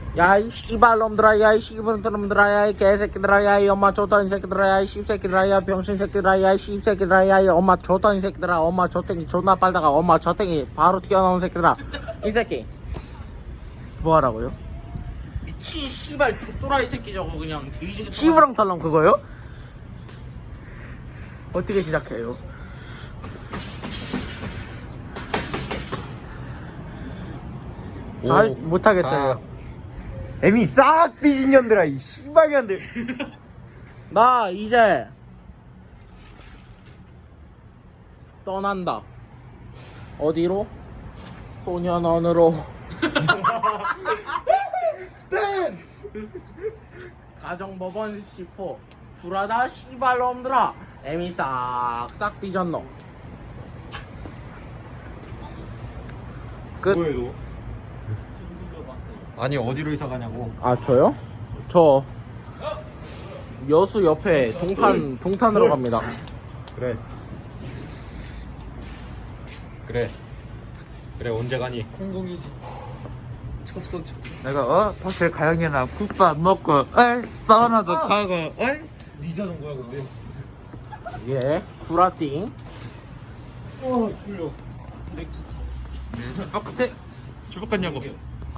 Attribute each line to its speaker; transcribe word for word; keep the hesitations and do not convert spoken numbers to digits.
Speaker 1: 야이 씨발놈들아 야이 씨발놈들아 야이 개새끼들아 야이 엄마 줬다는 새끼들아 야이 씹새끼들아 야이 병신새끼들아 야이 씹새끼들아 야이 엄마 줬다는 새끼들아 엄마 젖땡이 존나 빨다가 엄마 젖땡이 바로 튀어나온 새끼들아 이 새끼 뭐하라고요? 미친 씨발 족도라이 새끼 저거 그냥 뒤지게 피부랑 털랑 그거요? 어떻게 시작해요? 잘 못하겠어요.
Speaker 2: 애미 싹 뒤진 년들아 이 씨발년들.
Speaker 1: 나 이제 떠난다. 어디로? 소년원으로. 가정법원 시포 불하다 씨발놈들아 애미 싹싹 뒤졌노. 끝.
Speaker 2: 뭐해 너? 아니 어디로 이사 가냐고.
Speaker 1: 아 저요? 저 여수 옆에 동탄 동탄으로 갑니다.
Speaker 2: 그래. 그래. 그래 언제 가니?
Speaker 3: 공공이지. 접선 접.
Speaker 2: 내가 어 사실 가영이랑 국밥 먹고 어이 사우나도 가고 어이
Speaker 3: 네 자전거야 근데.
Speaker 1: 예 구라띵.
Speaker 3: 어 졸려. 트랙 차 타고.
Speaker 2: 주박 같아. 주박 같냐고.